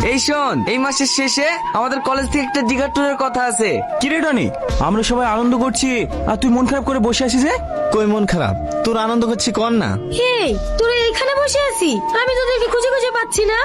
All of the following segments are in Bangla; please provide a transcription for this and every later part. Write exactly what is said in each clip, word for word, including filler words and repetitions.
এই শোন, এই মাসের শেষে আমাদের কলেজ থেকে একটা দিঘা ট্যুরের কথা আছে। কি রে টনি, আমরা সবাই আনন্দ করছি আর তুই মন খারাপ করে বসে আছিস যে? কই মন খারাপ, তোর আনন্দ করছি কর না। হেই, তোরা এখানে বসে আছি, আমি তোদেরকে খুঁজে খুঁজে পাচ্ছি না।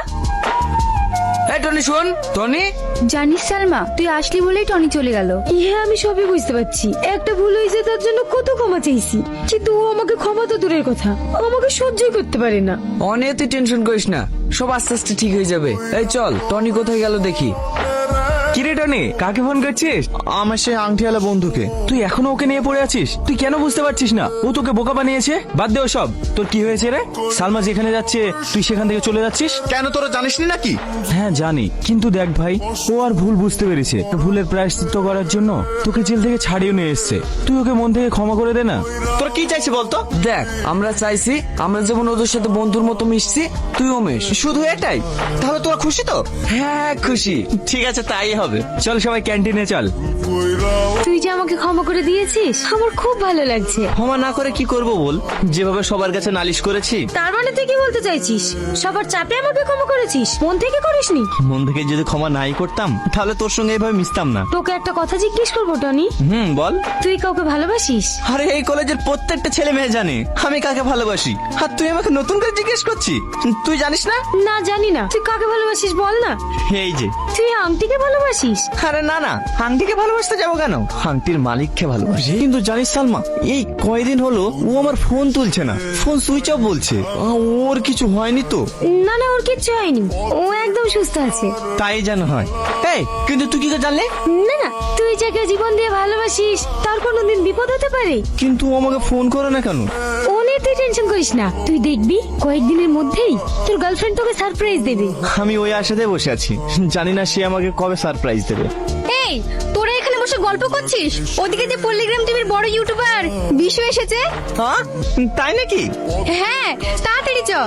এই টনি শোন, টনি জানিস সালমা, তুই আসলি বলেই টনি চলে গেল। হ্যাঁ, আমি সবই বুঝতে পারছি। একটা ভুল হয়েছে, তার জন্য কত ক্ষমা চাইছি, কিন্তু ও আমাকে ক্ষমা তো দূরের কথা, আমাকে সহ্যই করতে পারে না। অনেক তুই টেনশন করিস না, সব আস্তে আস্তে ঠিক হয়ে যাবে। এই চল, টনি কোথায় গেল দেখি। কি রে টনি, কাকে ফোন করছিস? আমার সেই আংটিওয়ালা বন্ধুকে। তুই এখনো ওকে নিয়ে পড়ে আছিস? তুই কেন বুঝতে পারছিস না ও তোকে বোকা বানিয়েছে? বাদ দে সব। তোর কি হয়েছে রে? সালমা যেখানে যাচ্ছে তুই সেখান থেকে চলে যাচ্ছিস? কেন, তোরা জানিস নি নাকি? হ্যাঁ জানি, কিন্তু দেখ ভাই, ও আর ভুল বুঝতে পেরেছে। ভুলের প্রায়শ্চিত্ত করার জন্য তোকে জেল থেকে ছাড়িয়ে নিয়ে এসছে। তুই ওকে মন থেকে ক্ষমা করে দে না। তোরা কি চাইছিস বলতো? দেখ, আমরা চাইছি আমরা যেমন ওদের সাথে বন্ধুর মতো মিশছি, তুইও মিশ। শুধু এটাই? তাহলে তোরা খুশি তো? হ্যাঁ খুশি। ঠিক আছে, তাই হবে। চল সবাই ক্যান্টিনে চল। তুই যে আমাকে ক্ষমা করে দিয়েছিস, আমার খুব ভালো লাগছে। ক্ষমা না করে কি করব বল? যেভাবে সবার কাছে নালিশ করেছি। তার মানে তুই কি বলতে চাইছিস? সবার চাপে আমাকে ক্ষমা করেছিস, মন থেকে করিসনি? মন থেকে যদি ক্ষমা নাই করতাম তাহলে তোর সঙ্গে এভাবে মিশতাম না। তোকে একটা কথা জিজ্ঞেস করবো টনি, হুম বল। তুই কাউকে ভালোবাসিস? আরে এই কলেজের প্রত্যেকটা ছেলে মেয়ে জানে আমি কাকে ভালোবাসি, আর তুই আমাকে নতুন করে জিজ্ঞেস করছিস? তুই জানিস না? না জানি না। তুই কাকে ভালোবাসিস বল না। এই যে। তুই আংটিকে ভালোবাসিস? আরে না না, আংটিকে ভালোবাসতে যাবো কেন, আংটির মালিককে ভালোবাসি। কিন্তু জানিস সালমা, এই কয়দিন হলো ও আমার ফোন তুলছে না, ফোন সুইচ অফ বলছে। আ, ওর কিছু হয়নি তো? না না, ওর কিচ্ছু হয়নি, ও একদম সুস্থ আছে। তাই যেন হয়। এই কিন্তু তুই কি করে জানলে? না না, তুই যাকে জীবন দিয়ে ভালোবাসিস তার কোনোদিন বিপদ হতে পারে। কিন্তু ও আমাকে ফোন করে না কেন? ও নিয়ে তুই টেনশন করিস না, তুই দেখবি কয়েকদিনের মধ্যেই তোর গার্লফ্রেন্ড তোকে সারপ্রাইজ দেবে। আমি ওই আশাতে বসে আছি, জানি না সে আমাকে কবে সারপ্রাইজ দেবে। এই, তোরা এখানে বসে গল্প করছিস? ওদিকে যে পল্লিগ্রাম টিভির বড় ইউটিউবার বিশু এসেছে। হ্যাঁ তাই নাকি? হ্যাঁ, তাড়াতাড়ি চ।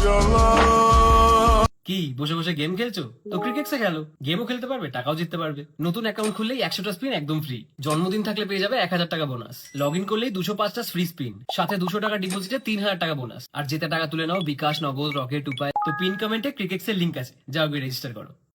কি বসে বসে গেম খেলছো? তো ক্রিকেটসে খেলো, গেমও খেলতে পারবে, টাকাও জিততে পারবে। নতুন অ্যাকাউন্ট খুললেই একশোটা স্পিন একদম ফ্রি। জন্মদিন থাকলে পেয়ে যাবে এক হাজার টাকা বোনাস। লগ ইন করলেই দুশো পাঁচটা ফ্রি স্পিন, সাথে দুশো টাকা ডিপোজিটে তিন হাজার টাকা বোনাস। আর যেতে টাকা তুলে নাও বিকাশ, নগদ, রকেট, উপায়। তো পিন কমেন্টে ক্রিকেটসের লিঙ্ক আছে, যাও গিয়ে রেজিস্টার করো।